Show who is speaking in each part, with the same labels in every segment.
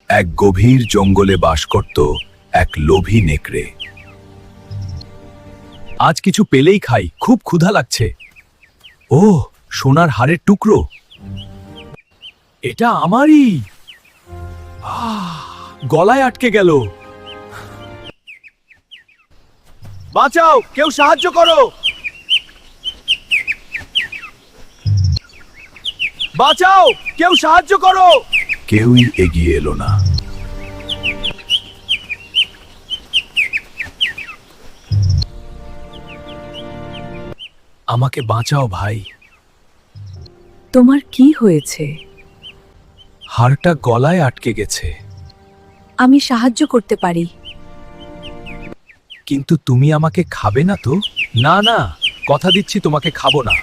Speaker 1: এক গভীর জঙ্গলে বাস করত এক লোভী নেকড়ে। আজ কিছু পেলেই খাই, খুব ক্ষুধা লাগছে। ও, সোনার হাড়ের টুকরো, এটা আমারই। গলায় আটকে গেল। বাঁচাও, কেউ সাহায্য করো। বাঁচাও, কেউ সাহায্য করো। কেউই এগিয়ে এলো না। আমাকে বাঁচাও ভাই।
Speaker 2: তোমার কি হয়েছে?
Speaker 1: হাড়টা গলায় আটকে গেছে।
Speaker 2: আমি সাহায্য করতে পারি।
Speaker 1: কিন্তু তুমি আমাকে খাবে না তো? না না, কথা দিচ্ছি তোমাকে খাবো না।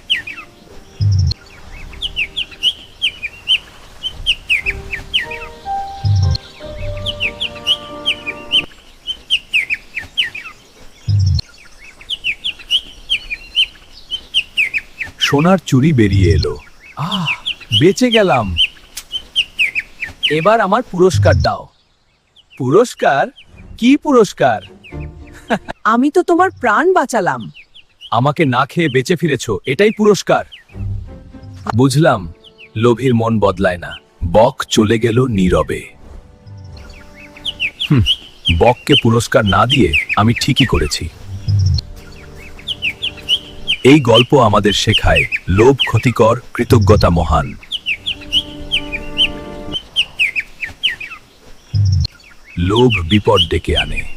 Speaker 1: সোনার চুড়ি বেরিয়ে এলো। বেঁচে গেলাম। এবার আমার পুরস্কার দাও। পুরস্কার? কি পুরস্কার?
Speaker 2: আমি তো তোমার প্রাণ বাঁচালাম।
Speaker 1: আমাকে না খেয়ে বেঁচে ফিরেছো, এটাই পুরস্কার। বুঝলাম, লোভীর মন বদলায় না। বক চলে গেল নীরবে। বককে পুরস্কার না দিয়ে আমি ঠিকই করেছি। এই গল্প আমাদের শেখায়, লোভ ক্ষতিকর, কৃতজ্ঞতা মহান। লোভ বিপদ ডেকে আনে।